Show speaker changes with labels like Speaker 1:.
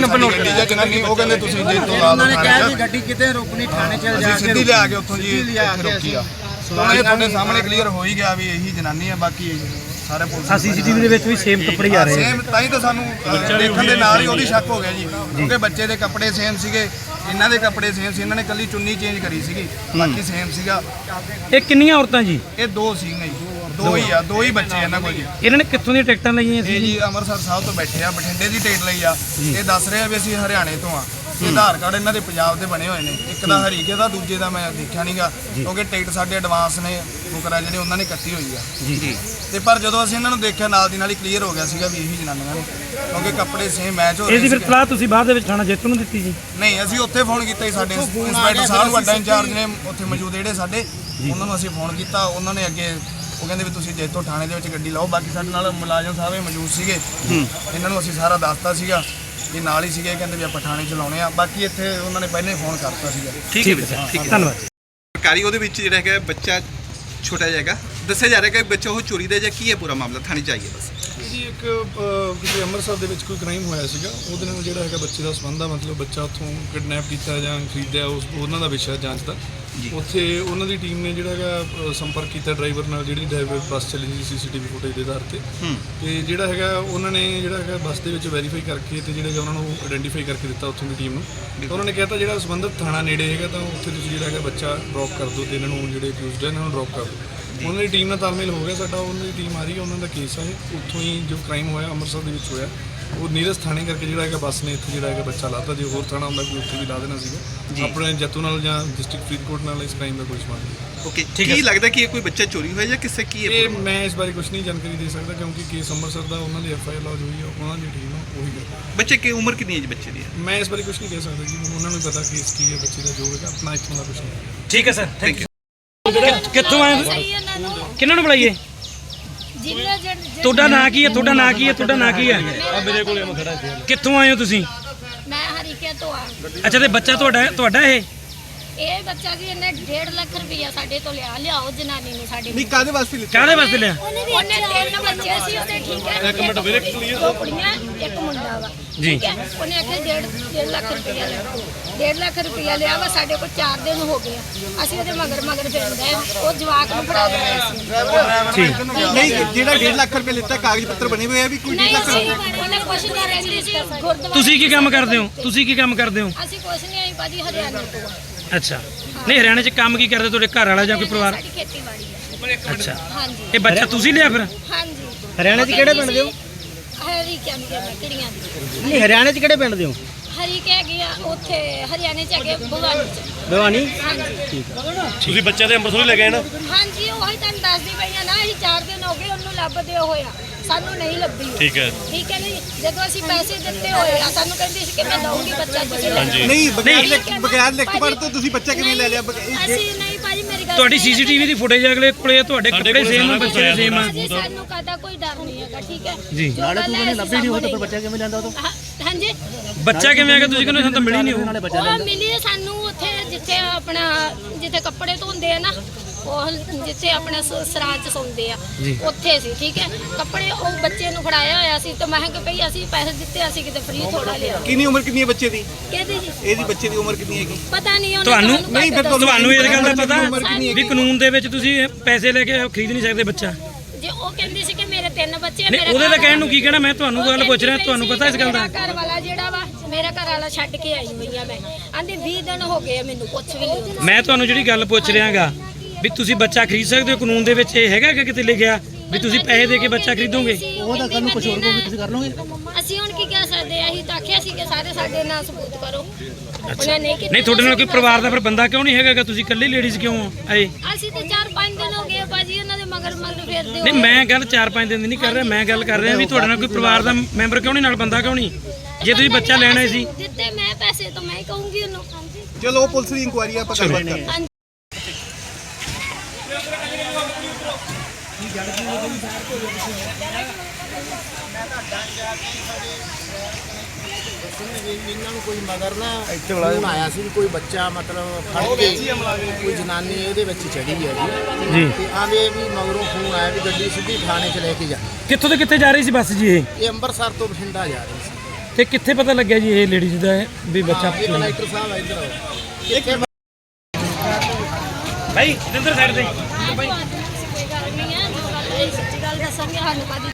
Speaker 1: Number note
Speaker 2: ਗੱਡੀ ਜਾਂ ਜਨਾਨੀ ਉਹ ਕਹਿੰਦੇ ਤੁਸੀਂ ਜੇ ਤੋਂ ਲਾ ਲਓ
Speaker 3: ਕਿਹਾ ਜੀ ਗੱਡੀ ਕਿਤੇ ਰੁਕਣੀ ਥਾਣੇ ਚ ਜਾ ਕੇ
Speaker 2: ਸਿੱਧੀ ਲਿਆ ਕੇ ਉੱਥੋਂ ਜੀ ਰੁਕੀ ਆ। ਇਹ ਤੁਹਾਡੇ ਸਾਹਮਣੇ ਕਲੀਅਰ ਹੋ ਹੀ ਗਿਆ ਵੀ ਇਹੀ ਜਨਾਨੀ ਹੈ। ਬਾਕੀ ਸਾਰੇ ਪੁਲਿਸ
Speaker 1: ਸੀਸੀਟੀਵੀ ਦੇ ਵਿੱਚ ਵੀ ਸੇਮ ਕੱਪੜੇ ਆ ਰਹੇ
Speaker 2: ਸੇਮ ਤਾਂ ਹੀ ਤਾਂ ਸਾਨੂੰ ਦੇਖਣ ਦੇ ਨਾਲ ਹੀ ਉਹਦੀ ਸ਼ੱਕ ਹੋ ਗਿਆ ਜੀ, ਕਿਉਂਕਿ ਬੱਚੇ ਦੇ ਕੱਪੜੇ ਸੇਮ ਸੀਗੇ, ਇਹਨਾਂ ਦੇ ਕੱਪੜੇ ਸੇਮ ਸੀ, ਇਹਨਾਂ ਨੇ ਕੱਲੀ ਚੁੰਨੀ ਚੇਂਜ ਕਰੀ ਸੀਗੀ, ਬਾਕੀ ਸੇਮ ਸੀਗਾ।
Speaker 1: ਇਹ ਕਿੰਨੀਆਂ ਔਰਤਾਂ ਜੀ?
Speaker 2: ਇਹ ਦੋ ਸੀਗੇ ਜੀ, ਦੋ ਹੀ ਬੱਚੇ ਇਹਨਾਂ ਕੋਲ ਜੀ।
Speaker 1: ਇਹਨਾਂ ਨੇ ਕਿੱਥੋਂ ਦੀਆਂ ਟਿਕਟਾਂ ਲਈਆਂ ਸੀ
Speaker 2: ਜੀ ਅੰਮ੍ਰਿਤਸਰ ਸਾਹਿਬ ਤੋਂ ਬੈਠੇ ਆ, ਬਠਿੰਡੇ ਦੀ ਟਿਕਟ ਲਈ ਆ। ਇਹ ਦੱਸ ਰਹੇ ਆ ਵੀ ਅਸੀਂ ਹਰਿਆਣੇ ਤੋਂ ਆ। ਆਧਾਰ ਕਾਰਡ ਇਹਨਾਂ ਦੇ ਪੰਜਾਬ ਦੇ ਬਣੇ ਹੋਏ ਨੇ, ਇੱਕ ਦਾ ਹਰੀਕੇ ਦਾ, ਦੂਜੇ ਦਾ ਮੈਂ ਦੇਖਿਆ ਨਹੀਂਗਾ, ਕਿਉਂਕਿ ਟਿਕਟ ਸਾਡੇ ਐਡਵਾਂਸ ਨੇ ਬੁਕਰਾ ਜਿਹੜੇ ਉਹਨਾਂ ਨੇ ਕੱਟੀ ਹੋਈ ਆ
Speaker 1: ਜੀ।
Speaker 2: ਤੇ ਪਰ ਜਦੋਂ ਅਸੀਂ ਇਹਨਾਂ ਨੂੰ ਦੇਖਿਆ ਨਾਲ ਦੀ ਨਾਲ ਹੀ ਕਲੀਅਰ ਹੋ ਗਿਆ ਸੀਗਾ ਵੀ ਇਹੀ ਜਨਾਨੀਆਂ ਨੇ, ਕਿਉਂਕਿ ਕੱਪੜੇ ਸੇਮ ਮੈਚ ਹੋ ਰਹੇ ਸੀ।
Speaker 1: ਇਹਦੀ ਫਿਰ ਤਲਾਹ ਤੁਸੀਂ ਬਾਅਦ ਦੇ ਵਿੱਚ ਥਾਣਾ ਜੇਤੂ ਨੂੰ ਦਿੱਤੀ ਜੀ?
Speaker 2: ਨਹੀਂ, ਅਸੀਂ ਉੱਥੇ ਫੋਨ ਕੀਤਾ ਜੀ, ਸਾਡੇ ਇੰਸਪੈਕਟਰ ਸਾਹਿਬ ਨੂੰ, ਵੱਡਾ ਇੰਚਾਰਜ ਨੇ ਉੱਥੇ ਮੌਜੂਦ ਜਿਹੜੇ ਸਾਡੇ, ਉਹਨਾਂ ਨੂੰ ਅਸੀਂ ਫੋਨ ਕੀਤਾ। ਉਹਨਾਂ ਨੇ ਅੱਗੇ ਉਹ ਕਹਿੰਦੇ ਵੀ ਤੁਸੀਂ ਜੇਤੂ ਥਾਣੇ ਦੇ ਵਿੱਚ ਗੱਡੀ ਲਾਓ। ਬਾਕੀ ਸਾਡੇ ਨਾਲ ਮੁਲਾਜ਼ਮ ਸਾਹਿਬ ਇਹ ਮੌਜੂਦ ਸੀਗੇ, ਇਹਨਾਂ ਨੂੰ ਅਸੀਂ ਸਾਰਾ ਦੱਸਤਾ ਸੀਗਾ, ਇਹ ਨਾਲ ਹੀ ਸੀਗੇ, ਕਹਿੰਦੇ ਵੀ ਆਪਾਂ ਥਾਣੇ ਚ ਲਾਉਣੇ ਆ। ਬਾਕੀ ਇੱਥੇ ਉਹਨਾਂ ਨੇ ਪਹਿਲਾਂ ਹੀ ਫੋਨ ਕਰਤਾ ਸੀਗਾ।
Speaker 1: ਠੀਕ ਹੈ ਸਰ, ਠੀਕ ਹੈ, ਧੰਨਵਾਦ।
Speaker 4: ਸਰਕਾਰੀ ਉਹਦੇ ਵਿੱਚ ਜਿਹੜਾ ਹੈਗਾ ਬੱਚਾ ਛੋਟਾ ਜਾਏਗਾ, ਦੱਸਿਆ ਜਾ ਰਿਹਾ ਕਿ ਬੱਚਾ ਉਹ ਚੋਰੀ ਦਾ ਜਾਂ ਕੀ ਹੈ ਪੂਰਾ ਮਾਮਲਾ, ਥਾਣੇ ਚਾਹੀਏ ਬਸ
Speaker 5: ਜੀ। ਇੱਕ ਕਿਤੇ ਅੰਮ੍ਰਿਤਸਰ ਦੇ ਵਿੱਚ ਕੋਈ ਕ੍ਰਾਈਮ ਹੋਇਆ ਸੀਗਾ, ਉਹਦੇ ਨਾਲ ਜਿਹੜਾ ਹੈਗਾ ਬੱਚੇ ਦਾ ਸੰਬੰਧ ਆ, ਮਤਲਬ ਬੱਚਾ ਉੱਥੋਂ ਕਿਡਨੈਪ ਕੀਤਾ ਜਾਂ ਖਰੀਦਿਆ, ਉਹਨਾਂ ਦਾ ਵਿਸ਼ਾ ਜਾਂਚ ਦਾ। ਉੱਥੇ ਉਹਨਾਂ ਦੀ ਟੀਮ ਨੇ ਜਿਹੜਾ ਹੈਗਾ ਸੰਪਰਕ ਕੀਤਾ ਡਰਾਈਵਰ ਨਾਲ, ਜਿਹੜੀ ਡਰਾਈਵਰ ਬੱਸ ਚੱਲੀ ਸੀ ਸੀਸੀਟੀਵੀ ਫੁਟੇਜ ਦੇ ਆਧਾਰ ਤੇ। ਤੇ ਜਿਹੜਾ ਹੈਗਾ ਉਹਨਾਂ ਨੇ ਜਿਹੜਾ ਹੈਗਾ ਬੱਸ ਦੇ ਵਿੱਚ ਵੈਰੀਫਾਈ ਕਰਕੇ ਤੇ ਜਿਹੜਾ ਉਹਨਾਂ ਨੂੰ ਆਇਡੈਂਟੀਫਾਈ ਕਰਕੇ ਦਿੱਤਾ ਉੱਥੋਂ ਦੀ ਟੀਮ ਨੂੰ। ਉਹਨਾਂ ਨੇ ਕਹਿਤਾ ਜਿਹੜਾ ਸੰਬੰਧਿਤ ਥਾਣਾ ਨੇੜੇ ਹੈਗਾ ਤਾਂ ਉੱਥੇ ਤੁਸੀਂ ਜਿਹੜਾ ਹੈਗਾ ਬੱਚਾ ਡ੍ਰੌਪ ਕਰ ਦਿਓ ਤੇ ਇਹਨਾਂ ਨੂੰ ਜਿਹੜੇ ਅਕਿਊਜ਼ਡ ਹੈ ਇਹਨਾਂ ਨੂੰ ਡ੍ਰੌਪ ਕਰ ਦਿਓ। ਉਹਨਾਂ ਦੀ ਟੀਮ ਨਾਲ ਤਾਲਮੇਲ ਹੋ ਗਿਆ ਸਾਡਾ, ਉਹਨਾਂ ਦੀ ਟੀਮ ਆ ਰਹੀ ਹੈ, ਉਹਨਾਂ ਦਾ ਕੇਸ ਹੈ। ਉੱਥੋਂ ਹੀ ਜੋ ਕ੍ਰਾਈਮ ਹੋਇਆ ਅੰਮ੍ਰਿਤਸਰ ਦੇ ਵਿੱਚ ਹੋਇਆ, ਉਹ ਨੀਰਜ ਥਾਣੇ ਕਰਕੇ ਜਿਹੜਾ ਹੈਗਾ ਬੱਸ ਨੇ ਇੱਥੇ ਜਿਹੜਾ ਹੈਗਾ ਬੱਚਾ ਲਾਤਾ। ਜੇ ਹੋਰ ਥਾਣਾ ਹੁੰਦਾ ਕੋਈ ਉੱਥੇ ਵੀ ਲਾ ਦੇਣਾ ਸੀਗਾ। ਆਪਣੇ ਜੱਤੂ ਨਾਲ ਜਾਂ ਡਿਸਟ੍ਰਿਕਟ ਫਰੀਦਕੋਟ ਨਾਲ ਇਸ ਕ੍ਰਾਈਮ ਦਾ ਕੋਈ ਸੰਬੰਧ ਨਹੀਂ।
Speaker 4: ਓਕੇ, ਕੀ ਲੱਗਦਾ ਕਿ ਇਹ ਕੋਈ ਬੱਚਾ ਚੋਰੀ ਹੋਇਆ ਜਾਂ ਕਿਸੇ ਕੀ ਹੈ?
Speaker 5: ਇਹ ਮੈਂ ਇਸ ਬਾਰੇ ਕੁਝ ਨਹੀਂ ਜਾਣਕਾਰੀ ਦੇ ਸਕਦਾ, ਕਿਉਂਕਿ ਕੇਸ ਅੰਮ੍ਰਿਤਸਰ ਦਾ, ਉਹਨਾਂ ਦੀ FIR ਲੌਜ ਹੋਈ ਹੈ, ਉਹਨਾਂ ਦੀ ਟੀਮ ਉਹੀ ਕਰਦਾ।
Speaker 4: ਬੱਚੇ ਕੀ ਉਮਰ ਕਿੰਨੀ ਹੈ ਜੀ ਬੱਚੇ ਦੀ?
Speaker 5: ਮੈਂ ਇਸ ਬਾਰੇ ਕੁਝ ਨਹੀਂ ਕਹਿ ਸਕਦਾ ਜੀ, ਉਹਨਾਂ ਨੂੰ ਪਤਾ ਕੇਸ ਕੀ ਹੈ ਬੱਚੇ ਦਾ, ਜੋ ਹੈਗਾ ਆਪਣਾ ਇੱਥੋਂ ਦਾ ਕੁਝ ਨਹੀਂ।
Speaker 1: ਠੀਕ ਹੈ ਸਰ, ਥੈਂਕ ਯੂ। ਕਿੱਥੋਂ ਆਏ? ਕਿਹਨਾਂ ਨੂੰ ਬੁਲਾਈਏ? ਤੁਹਾਡਾ ਨਾਂ ਕੀ ਹੈ? ਤੁਹਾਡਾ ਨਾਂ ਕੀ ਹੈ? ਤੁਹਾਡਾ ਨਾਂ ਕੀ ਹੈ? ਮੇਰੇ ਕੋਲੇ ਮੈਂ ਖੜਾ ਸੀ। ਕਿੱਥੋਂ ਆਏ ਹੋ ਤੁਸੀਂ?
Speaker 6: ਮੈਂ ਹਰੀਕੇ ਤੋਂ ਆ।
Speaker 1: ਅੱਛਾ, ਤੇ ਬੱਚਾ ਤੁਹਾਡਾ
Speaker 6: ਇਹ ਬੱਚਾ ਜੀ ਇਹਨੇ 1.5 ਲੱਖ ਰੁਪਇਆ ਸਾਡੇ ਤੋਂ ਲਿਆਓ ਜਨਾਨੀ ਨੂੰ ਸਾਡੇ।
Speaker 4: ਨਹੀਂ, ਕਾਹਦੇ ਵਾਸਤੇ ਲਿਆ?
Speaker 1: ਕਾਹਦੇ ਵਾਸਤੇ ਲਿਆ?
Speaker 6: ਉਹਨੇ 3 ਬੱਚੇ ਸੀ ਉਹਦੇ, ਠੀਕ ਹੈ, ਇੱਕ ਮਿੰਟ ਵੀਰੇ, ਦੋ ਕੁੜੀਆਂ ਇੱਕ ਮੁੰਡਾ ਵਾ
Speaker 1: ਜੀ।
Speaker 6: ਠੀਕ ਹੈ, ਉਹਨੇ ਆਖਿਆ 1.5 ਲੱਖ ਰੁਪਇਆ ਲਿਆ। 1.5 ਲੱਖ ਰੁਪਇਆ ਲਿਆ ਵਾ, ਸਾਡੇ ਕੋਲ 4 ਦਿਨ ਹੋ ਗਏ ਆ। ਅਸੀਂ ਉਹਦੇ ਮਗਰ ਫਿਰਦੇ ਆ, ਉਹ ਜਵਾਕ ਨੂੰ ਫੜਾ ਲਿਆ ਸੀ।
Speaker 4: ਨਹੀਂ, ਜਿਹੜਾ 1.5 ਲੱਖ ਰੁਪਏ ਲਿੱਤਾ ਕਾਗਜ਼ ਪੱਤਰ ਬਣੇ ਹੋਏ ਆ ਵੀ ਕੋਈ 1.5 ਲੱਖ
Speaker 6: ਉਹਨੇ ਕੁਛ ਨਹੀਂ ਰਹਿੰਦੀ ਸੀ ਗੁਰਦੁਆਰਾ।
Speaker 1: ਤੁਸੀਂ ਕੀ ਕੰਮ ਕਰਦੇ ਹੋ? ਤੁਸੀਂ ਕੀ ਕੰਮ ਕਰਦੇ ਹੋ?
Speaker 6: ਅਸੀਂ ਕੁਛ ਨਹੀਂ ਆਈ ਭਾਜੀ, ਹਰਿਆਣਾ ਤੋਂ।
Speaker 1: ਅੱਛਾ, ਨਹੀਂ ਹਰਿਆਣੇ 'ਚ ਕੰਮ ਕੀ ਕਰਦੇ ਤੁਹਾਡੇ ਘਰ ਵਾਲਾ ਜਾਂ ਕੋਈ ਪਰਿਵਾਰ?
Speaker 6: ਸਾਡੀ ਖੇਤੀਬਾੜੀ ਹੈ।
Speaker 1: ਅੱਛਾ,
Speaker 6: ਹਾਂਜੀ।
Speaker 1: ਇਹ ਬੱਚਾ ਤੁਸੀਂ ਲਿਆ ਫਿਰ?
Speaker 6: ਹਾਂਜੀ।
Speaker 1: ਹਰਿਆਣੇ 'ਚ ਕਿਹੜੇ ਪਿੰਡ ਦੇ ਹੋ?
Speaker 6: ਹਰੀ ਕਹਿੰਦੇ ਮੈਂ ਕਿਹੜੀਆਂ ਦੀ?
Speaker 1: ਨਹੀਂ, ਹਰਿਆਣੇ 'ਚ ਕਿਹੜੇ ਪਿੰਡ ਦੇ ਹੋ?
Speaker 6: ਹਰੀ ਕਹਿ ਗਿਆ ਉੱਥੇ ਹਰਿਆਣੇ ਚ ਹੈਗੇ ਭਵਾਨੀ ਚ।
Speaker 1: ਭਵਾਨੀ?
Speaker 6: ਹਾਂਜੀ।
Speaker 1: ਠੀਕ ਹੈ। ਤੁਸੀਂ ਬੱਚੇ ਦੇ ਅੰਮ੍ਰਿਤਸਰ ਲੈ ਗਏ ਨਾ?
Speaker 6: ਹਾਂਜੀ, ਉਹੀ ਤੁਹਾਨੂੰ ਦੱਸਦੀ ਪਈ ਆ ਨਾ, ਅਸੀਂ 4 ਦਿਨ ਹੋ ਗਏ ਉਹਨੂੰ ਲੱਭਦੇ ਹੋਇਆ, ਸਾਨੂੰ ਨਹੀਂ ਲੱਭੀ। ਠੀਕ ਹੈ ਜੀ। ਜਦੋਂ ਅਸੀਂ ਪੈਸੇ ਦਿੱਤੇ ਹੋਏ ਆ, ਸਾਨੂੰ ਕਹਿੰਦੀ ਸੀ ਕਿ ਮੈਂ ਦਊਂਗੀ ਬੱਚਾ, ਤੁਸੀਂ ਲੈ ਜਾਓ।
Speaker 4: ਨਹੀਂ, ਬਗੈਰ ਲਿਖ ਪੜ੍ਹ ਤੋਂ ਤੁਸੀਂ ਬੱਚਾ ਕਿਵੇਂ ਲੈ ਲਿਆ?
Speaker 6: ਅਸੀਂ ਨਹੀਂ ਭਾਜੀ, ਮੇਰੀ ਗੱਲ
Speaker 1: ਤੁਹਾਡੀ ਸੀਸੀਟੀਵੀ ਦੀ ਫੁਟੇਜ ਅਗਲੇ ਕੋਲੇ, ਤੁਹਾਡੇ ਕੱਪੜੇ ਸੇਮ ਆ, ਬੱਚੇ ਦੇ ਸੇਮ ਆ।
Speaker 6: ਸਾਨੂੰ ਕਹਦਾ ਕੋਈ ਡਰ ਨਹੀਂ ਹੈਗਾ, ਠੀਕ ਹੈ
Speaker 1: ਜੀ।
Speaker 6: ਨਾਲੇ ਤੂੰ ਨੇ ਲੱਭੀ ਨਹੀਂ ਹੋ ਤਾਂ ਬੱਚਾ ਕਿਵੇਂ ਲੈਂਦਾ ਉਹ? ਹਾਂਜੀ,
Speaker 1: ਬੱਚਾ ਕਿਵੇਂ ਆ ਗਿਆ? ਤੁਸੀਂ ਕਹਿੰਦੇ ਸਾਨੂੰ ਤਾਂ ਮਿਲੀ ਨਹੀਂ ਉਹ।
Speaker 6: ਉਹ ਮਿਲੀ ਸਾਨੂੰ ਉੱਥੇ ਜਿੱਥੇ ਜਿੱਥੇ ਕੱਪੜੇ ਧੋਂਦੇ ਆ ਨਾ, ਉਹ ਜਿੱਥੇ ਆਪਣੇ ਸਰਾਂ ਚ ਸੌਂਦੇ ਆ, ਉੱਥੇ ਸੀ। ਠੀਕ ਹੈ, ਕੱਪੜੇ ਉਹ ਬੱਚੇ ਨੂੰ ਫੜਾਇਆ ਹੋਇਆ ਸੀ ਤੇ ਮੈਂ ਕਿਹਾ ਭਈ ਅਸੀਂ ਪੈਸੇ ਦਿੱਤੇ, ਅਸੀਂ ਕਿਤੇ ਫ੍ਰੀ ਥੋੜਾ ਲਿਆ।
Speaker 4: ਕਿੰਨੀ ਉਮਰ ਕਿੰਨੀ ਹੈ ਬੱਚੇ ਦੀ?
Speaker 6: ਕਿਹਦੀ ਜੀ?
Speaker 4: ਇਹਦੀ ਬੱਚੇ ਦੀ ਉਮਰ ਕਿੰਨੀ ਹੈਗੀ?
Speaker 6: ਪਤਾ ਨਹੀਂ ਉਹਨੂੰ।
Speaker 1: ਤੁਹਾਨੂੰ
Speaker 4: ਨਹੀਂ, ਫਿਰ
Speaker 1: ਤੁਹਾਨੂੰ ਇਹ ਗੱਲ ਦਾ ਪਤਾ ਵੀ ਕਾਨੂੰਨ ਦੇ ਵਿੱਚ ਤੁਸੀਂ ਪੈਸੇ ਲੈ ਕੇ ਖਰੀਦ ਨਹੀਂ ਸਕਦੇ ਬੱਚਾ?
Speaker 6: ਜੇ ਉਹ ਕਹਿੰਦੀ ਸੀ ਕਿ ਮੇਰੇ 3 ਬੱਚੇ,
Speaker 1: ਨਹੀਂ, ਉਹਦੇ ਤਾਂ ਕਹਿਣ ਨੂੰ ਕੀ ਕਹਿਣਾ, ਮੈਂ ਤੁਹਾਨੂੰ ਗੱਲ ਪੁੱਛ ਰਿਹਾ, ਤੁਹਾਨੂੰ ਪਤਾ ਇਸ ਗੱਲ ਦਾ?
Speaker 6: ਮੇਰਾ ਘਰ ਵਾਲਾ ਜਿਹੜਾ ਵਾ, ਮੇਰਾ ਘਰ ਵਾਲਾ ਛੱਡ ਕੇ ਆਈ ਹੋਈ ਆ ਮੈਂ, ਆਂਦੀ 20 ਦਿਨ ਹੋ ਗਏ ਮੈਨੂੰ ਕੁਛ ਵੀ ਨਹੀਂ।
Speaker 1: ਮੈਂ ਤੁਹਾਨੂੰ ਜਿਹੜੀ ਗੱਲ ਪੁੱਛ ਰਿਹਾਗਾ ਵੀ ਤੁਸੀਂ ਬੱਚਾ ਖਰੀਦ ਸਕਦੇ ਹੋ, ਕਾਨੂੰਨ ਦੇ ਵਿੱਚ ਇਹ ਹੈਗਾ ਕਿ ਕਿਤੇ ਲਿਖਿਆ ਵੀ ਤੁਸੀਂ ਪੈਸੇ ਦੇ ਕੇ ਬੱਚਾ ਖਰੀਦੋਗੇ?
Speaker 6: ਉਹ ਤਾਂ ਕੱਲ ਨੂੰ ਕੁਝ ਹੋਰ ਕੋਗੇ, ਤੁਸੀਂ ਕਰ ਲਓਗੇ। ਅਸੀਂ ਹੁਣ ਕੀ ਕਹਿ ਸਕਦੇ ਆ? ਅਸੀਂ ਤਾਂ ਆਖਿਆ ਸੀ ਕਿ ਸਾਰੇ ਸਾਡੇ ਨਾਲ ਸਬੂਤ ਕਰੋ। ਉਹਨਾਂ ਨੇ ਕੀਤਾ।
Speaker 1: ਨਹੀਂ, ਤੁਹਾਡੇ ਨਾਲ ਕੋਈ ਪਰਿਵਾਰ ਦਾ ਫਿਰ ਬੰਦਾ ਕਿਉਂ ਨਹੀਂ ਹੈਗਾ? ਤੁਸੀਂ ਇਕੱਲੇ ਲੇਡੀਜ਼ ਕਿਉਂ ਆਏ?
Speaker 6: ਅਸੀਂ ਤਾਂ 4-5 ਦਿਨ ਹੋ ਗਏ ਭਾਜੀ ਉਹਨਾਂ ਦੇ ਮਗਰ ਫਿਰਦੇ ਹੋ।
Speaker 1: ਨਹੀਂ, ਮੈਂ ਗੱਲ 4-5 ਦਿਨ ਦੀ ਨਹੀਂ ਕਰ ਰਿਹਾ, ਮੈਂ ਗੱਲ ਕਰ ਰਿਹਾ ਵੀ ਤੁਹਾਡੇ ਨਾਲ ਕੋਈ ਪਰਿਵਾਰ ਦਾ ਮੈਂਬਰ ਕਿਉਂ ਨਹੀਂ, ਨਾਲ ਬੰਦਾ ਕਿਉਂ ਨਹੀਂ? ਜੇ ਤੁਸੀਂ ਬੱਚਾ ਲੈਣਾ ਸੀ।
Speaker 6: ਦਿੱਤੇ ਮੈਂ ਪੈਸੇ ਤਾਂ ਮੈਂ ਹੀ ਕਹੂੰਗੀ ਉਹਨੂੰ।
Speaker 4: ਚਲੋ ਪੁਲਿਸ ਦੀ ਇਨਕੁਆਇਰੀ ਆਪਾਂ ਗੱਲਬਾਤ ਕਰਦੇ ਹਾਂ।
Speaker 3: ਇਹਨਾਂ ਨੂੰ ਕੋਈ ਮਗਰ ਨਾ ਫੋਨ ਆਇਆ ਸੀ, ਕੋਈ ਬੱਚਾ ਮਤਲਬ ਫੜ ਕੇ ਕੋਈ ਜਨਾਨੀ ਇਹਦੇ ਵਿੱਚ ਚੜੀ ਹੈ ਜੀ। ਤੇ ਆਵੇ ਵੀ ਮਗਰੋਂ ਫੋਨ ਆਇਆ ਵੀ ਗੱਡੀ ਸਿੱਧੀ ਥਾਣੇ 'ਚ ਲੈ ਕੇ ਜਾ।
Speaker 1: ਕਿੱਥੋਂ ਤੇ ਕਿੱਥੇ ਜਾ ਰਹੀ ਸੀ ਬੱਸ ਜੀ?
Speaker 3: ਇਹ ਅੰਮ੍ਰਿਤਸਰ ਤੋਂ ਬਠਿੰਡਾ ਜਾ ਰਹੀ ਸੀ।
Speaker 1: ਤੇ ਕਿੱਥੇ ਪਤਾ ਲੱਗਿਆ ਜੀ ਇਹ ਲੇਡੀਜ਼ ਦਾ ਵੀ ਬੱਚਾ
Speaker 3: ਇਹ ਕਲੈਕਟਰ ਸਾਹਿਬ ਆ ਇੱਧਰ ਆਓ।
Speaker 1: ਭਾਈ ਇੱਧਰ ਸਾਈਡ ਤੇ
Speaker 6: ਕੋਈ ਗੱਲ ਨਹੀਂ ਹੈ, ਜੋ ਗੱਲ ਹੈ ਸੱਚੀ ਗੱਲ ਦੱਸਾਂਗੇ ਸਾਨੂੰ ਕਦੀ